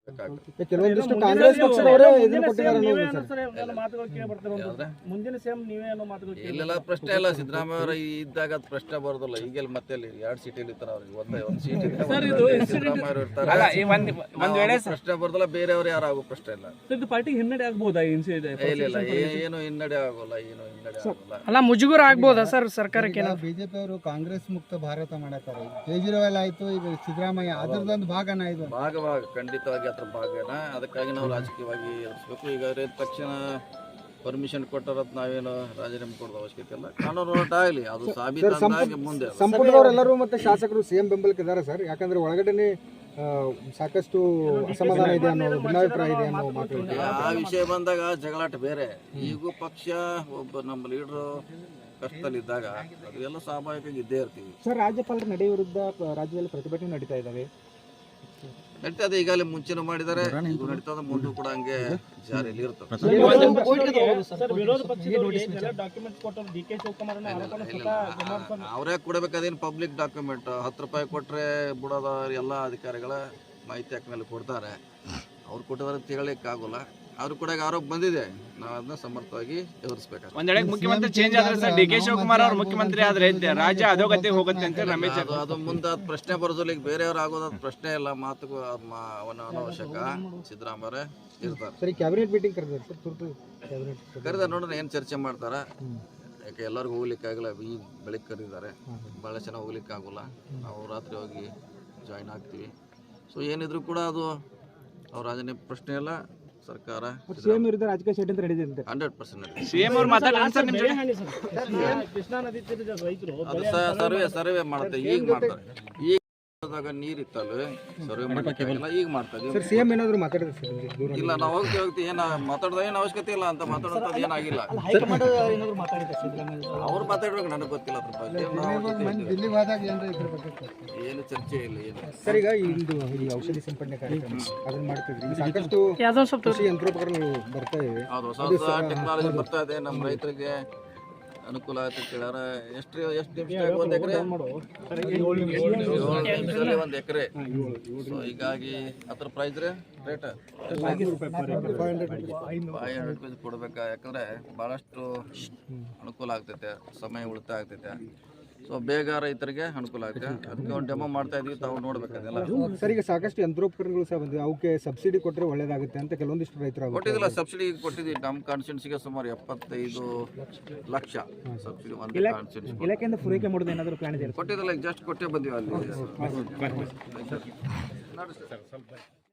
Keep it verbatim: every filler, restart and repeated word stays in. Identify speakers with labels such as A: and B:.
A: ಕೆಲವೊಂದಿಷ್ಟು ಕಾಂಗ್ರೆಸ್ ಪಕ್ಷದವರೇ ಇದನ್ನು ಕೊಟ್ಟಿದ್ದಾರೆ
B: ಮುಂದಿನ ಸಿಎಂ ನೀವೇ ಅನ್ನೋ ಮಾತುಗಳು
C: ಇಲ್ಲೆಲ್ಲ ಪ್ರಶ್ನೆ ಇಲ್ಲ. ಸಿದ್ದರಾಮಯ್ಯ ಅವರು ಇದ್ದಾಗ ಅದು ಪ್ರಶ್ನೆ ಬರೋದಿಲ್ಲ. ಈಗೆಲ್ಲ ಮತ್ತೆ ಎರಡು ಸೀಟ್ ಇರ್ತಾರೆ ಅವ್ರಿಗೆ, ಒಂದೇ ಒಂದು ಸೀಟ್ ಸಿದ್ದರಾಮಯ್ಯ ಅವರು ಇರ್ತಾರೆ, ಪ್ರಶ್ನೆ ಬರೋದಿಲ್ಲ. ಬೇರೆಯವರು ಯಾರು ಆಗೋ ಪ್ರಶ್ನೆ ಇಲ್ಲ.
B: ಪಾರ್ಟಿಗೆ ಹಿನ್ನಡೆ ಆಗ್ಬೋದಾ?
C: ಇಲ್ಲ, ಏನು ಹಿನ್ನಡೆ ಆಗೋಲ್ಲ, ಏನು ಹಿನ್ನಡೆ ಆಗೋಲ್ಲ.
D: ಅಲ್ಲ, ಮುಜುಗರ ಆಗ್ಬೋದಾ ಸರ್ ಸರ್ಕಾರಕ್ಕೆ?
A: ಬಿಜೆಪಿ ಅವರು ಕಾಂಗ್ರೆಸ್ ಮುಕ್ತ ಭಾರತ ಮಾಡತಾರೆ. ಕೇಜ್ರಿವಾಲ್ ಆಯ್ತು, ಈಗ ಸಿದ್ದರಾಮಯ್ಯ ಅದರದೊಂದು ಭಾಗನ ಇದು
C: ಭಾಗ ಭಾಗ ಖಂಡಿತವಾಗಿ ಅದ್ರ ಭಾಗನ. ಅದಕ್ಕಾಗಿ ನಾವು ರಾಜಕೀಯವಾಗಿ ಎದುರಿಸ್ಬೇಕು. ಈಗ ತಕ್ಷಣ ಪರ್ಮಿಷನ್ ಕೊಟ್ಟರತ್ ನಾವೇನು ರಾಜೀನಾಮೆ ಕೊಡೋದು ಅವಶ್ಯಕತೆ ಇಲ್ಲ. ಕಾನೂನು ಹೋರಾಟ ಆಗಲಿ, ಅದು ಸಾಬೀತಾಗಿ ಮುಂದೆ.
A: ಸಂಪುಟದವರೆಲ್ಲರೂ ಮತ್ತೆ ಶಾಸಕರು ಸಿಎಂ ಬೆಂಬಲಕ್ಕೆ ಇದ್ದಾರೆ ಸರ್. ಯಾಕಂದ್ರೆ ಒಳಗಡೆ ಸಾಕಷ್ಟು ಅಸಮಾಧಾನ ಇದೆ ಅನ್ನೋ ಭಿನ್ನಾಭಿಪ್ರಾಯ ಇದೆ ಅನ್ನೋ ಮಾತು.
C: ಆ ವಿಷಯ ಬಂದಾಗ ಜಗಳಾಟ ಬೇರೆ. ಈಗೂ ಪಕ್ಷ ಒಬ್ಬ ನಮ್ಮ ಲೀಡರು ಕಷ್ಟದಲ್ಲಿದ್ದಾಗ ಅದೆಲ್ಲ ಸ್ವಾಭಾವಿಕವಾಗಿ ಇದ್ದೇ ಇರ್ತೀವಿ
A: ಸರ್. ರಾಜ್ಯಪಾಲರ ನಡೆ ವಿರುದ್ಧ ರಾಜ್ಯದಲ್ಲಿ ಪ್ರತಿಭಟನೆ ನಡೀತಾ ಇದ್ದಾವೆ.
C: ನಡೀತದೆ, ಈಗಾಗಲೇ ಮುಂಚೆನೂ ಮಾಡಿದ್ದಾರೆ, ಈಗ ನಡೀತದೆ, ಮುಂದೂ ಕೂಡ ಹಂಗೆ ಜಾರಿಯಲ್ಲಿ ಇರ್ತದೆ. ಅವರೇ ಕೊಡಬೇಕು, ಅದೇನು ಪಬ್ಲಿಕ್ ಡಾಕ್ಯುಮೆಂಟ್. ಹತ್ತು ರೂಪಾಯಿ ಕೊಟ್ಟರೆ ಬಿಡೋದ ಎಲ್ಲ ಅಧಿಕಾರಿಗಳ ಮಾಹಿತಿ ಹಾಕ ಮೇಲೆ ಕೊಡ್ತಾರೆ. ಅವ್ರು ಕೊಟ್ಟಿದ್ರೆ ತಿಳಲಿಕ್ಕೆ ಆಗೋಲ್ಲ. ಅವ್ರು ಕೂಡ ಆರೋಪ ಬಂದಿದೆ, ನಾವು ಅದನ್ನ ಸಮರ್ಥವಾಗಿ ಎದುರಿಸಬೇಕು.
E: ಒಂದ್ ವೇಳೆ ಮುಖ್ಯಮಂತ್ರಿ ಚೇಂಜ್ ಆದ್ರೆ ಸರ್, ಡಿ ಕೆ ಶಿವಕುಮಾರ್ ಅವರು ಮುಖ್ಯಮಂತ್ರಿ ಆದ್ರೆ ರಾಜ್ಯ ಅಧೋಗತಿ ಹೋಗುತ್ತೆ ಅಂತ ರಮೇಶ್
C: ಅದು ಅದು ಮುಂದೆ ಪ್ರಶ್ನೆ ಬರೋದಿಲ್ಲ. ಈಗ ಬೇರೆಯವ್ರು ಆಗೋದು ಪ್ರಶ್ನೆ ಇಲ್ಲ, ಮಾತುಗೂ ಅನವಶ್ಯಕ. ಸಿದ್ದರಾಮಯ್ಯ ಇರ್ತಾರೆ.
A: ಸರಿ, ಕ್ಯಾಬಿನೆಟ್ ಮೀಟಿಂಗ್ ಕರೆದಾರೆ ಸರ್, ತುರ್ತು ಕ್ಯಾಬಿನೆಟ್
C: ಕರೆದ ನೋಡೋಣ ಏನು ಚರ್ಚೆ ಮಾಡ್ತಾರ. ಯಾಕೆ ಎಲ್ಲರಿಗೂ ಹೋಗ್ಲಿಕ್ಕೆ ಆಗಲ್ಲ, ಈ ಬೆಳಿಗ್ಗೆ ಕರೆದಿದ್ದಾರೆ, ಭಾಳ ಚೆನ್ನಾಗಿ ಹೋಗ್ಲಿಕ್ಕೆ ಆಗೋಲ್ಲ. ನಾವು ರಾತ್ರಿ ಹೋಗಿ ಜಾಯಿನ್ ಆಗ್ತೀವಿ. ಸೊ ಏನಿದ್ರು ಕೂಡ ಅದು ಅವ್ರ ರಾಜೀನಾಮೆ ಪ್ರಶ್ನೆ ಇಲ್ಲ. ಸರ್ಕಾರ
A: ಸಿಎಂ ವಿರುದ್ಧ ರಾಜಕೀಯ ಷಡ್ಯಂತ್ರ ನಡೆದಿದೆ.
C: ಹಂಡ್ರೆಡ್ ಪರ್ಸೆಂಟ್
E: ಸಿಎಂ ಅವ್ರು ಮಾತಾಡ್ತಾರೆ ಸರ್ ನಿಮ್ ಜೊತೆ.
B: ಕೃಷ್ಣಾ ನದಿ ತೀರದ ರೈತರು
C: ಅದು ಸರ್ವೆ ಸರ್ವೆ ಮಾಡ್ತಾರೆ, ಈಗ ಮಾಡ್ತಾರೆ. ಈಗ ನೀರ್ ಇತ್ತಲ್ಲ, ಸರ್ವೆ ಮಾಡಕ್ಕೆ ಈಗ ಮಾಡ್ತಾ ಇದೀವಿ.
A: ಸಿಎಂ ಏನಾದ್ರು ಮಾತಾಡಿದ್ರೆ
C: ಇಲ್ಲ, ನಾವು ಹೋಗ್ತೀವಿ ಹೋಗ್ತೀವಿ ಏನ ಮಾತಾಡೋದ ಏನು ಅವಶ್ಯಕತೆ ಇಲ್ಲ ಅಂತ ಮಾತಾಡೋದು ಏನಾಗಿಲ್ಲ. ಅವ್ರು ಮಾತಾಡ್ಬೇಕು, ನನಗೆ ಗೊತ್ತಿಲ್ಲ ಅದ್ರ ಬಗ್ಗೆ. ಏನು ಚರ್ಚೆ ಇಲ್ಲ, ಏನು.
A: ಸರ್, ಈಗ ಇಂದು ಈ ಔಷಧಿ ಸಿಂಪಡಣೆ ಕಾರ್ಯಕ್ರಮ ಅದನ್ನ ಮಾಡ್ತಿದ್ರಿ, ಸಾಕಷ್ಟು ಕೃಷಿ ಯಂತ್ರೋಪಕರಣಗಳು ಬರ್ತಾ ಇವೆ.
C: ಹೌದು, ಹೊಸ ಟೆಕ್ನಾಲಜಿ ಬರ್ತಾ ಇದೆ, ನಮ್ಮ ರೈತರಿಗೆ ಅನುಕೂಲ ಆಯ್ತು. ಕೇಳಾರ ಎಷ್ಟು ಎಷ್ಟು ನಿಮಿಷ ಒಂದ್ ಎಕರೆ ಏಳು ನಿಮಿಷದಲ್ಲಿ ಒಂದ್ ಎಕರೆ. ಸೊ ಹೀಗಾಗಿ ಅದ್ರ price rate five hundred rupees ಕೊಡ್ಬೇಕಾ. ಯಾಕಂದ್ರೆ ಬಹಳಷ್ಟು ಅನುಕೂಲ ಆಗ್ತೈತೆ, ಸಮಯ ಉಳಿತಾಯ ಆಗ್ತೈತೆ. ಸೊ ಬೇಗ ರೈತರಿಗೆ ಅನುಕೂಲ ಆಗುತ್ತೆ. ಅದಕ್ಕೆ ಒಂದು ಡೆಮೋ ಮಾಡ್ತಾ ಇದೀವಿ, ತಾವು ನೋಡ್ಬೇಕದೆಲ್ಲ.
A: ಸರ್, ಈಗ ಸಾಕಷ್ಟು ಯಂತ್ರೋಪಕರಣಗಳು ಸಹ ಬಂದಿವೆ, ಅವಕ್ಕೆ ಸಬ್ಸಿಡಿ ಕೊಟ್ಟರೆ ಒಳ್ಳೇದಾಗುತ್ತೆ ಅಂತ ಕೆಲವೊಂದಿಷ್ಟು ರೈತರು
C: ಕೊಟ್ಟಿದ್ದಿಲ್ಲ. ಸಬ್ಸಿಡಿ ಕೊಟ್ಟಿದ್ದೀವಿ. ನಮ್ಮ ಕಾನ್ಸ್ಟಿಟ್ಯೂನ್ಸಿಗೆ ಸುಮಾರು ಎಪ್ಪತ್ತೈದು ಲಕ್ಷ ಸಬ್ಸಿಡಿ ಒಂದು ಕಾನ್ಸ್ಟಿಟ್ಯೂನ್ಸಿ
A: ಇಲಾಖೆಯಿಂದ ಪೂರೈಕೆ ಮಾಡೋದು ಏನಾದರೂ ಪ್ಲಾನ್ ಇದೆ?
C: ಕೊಟ್ಟಿದ್ದಿಲ್ಲ, ಜಸ್ಟ್ ಕೊಟ್ಟೇ ಬಂದೀವಿ ಅಲ್ಲಿ.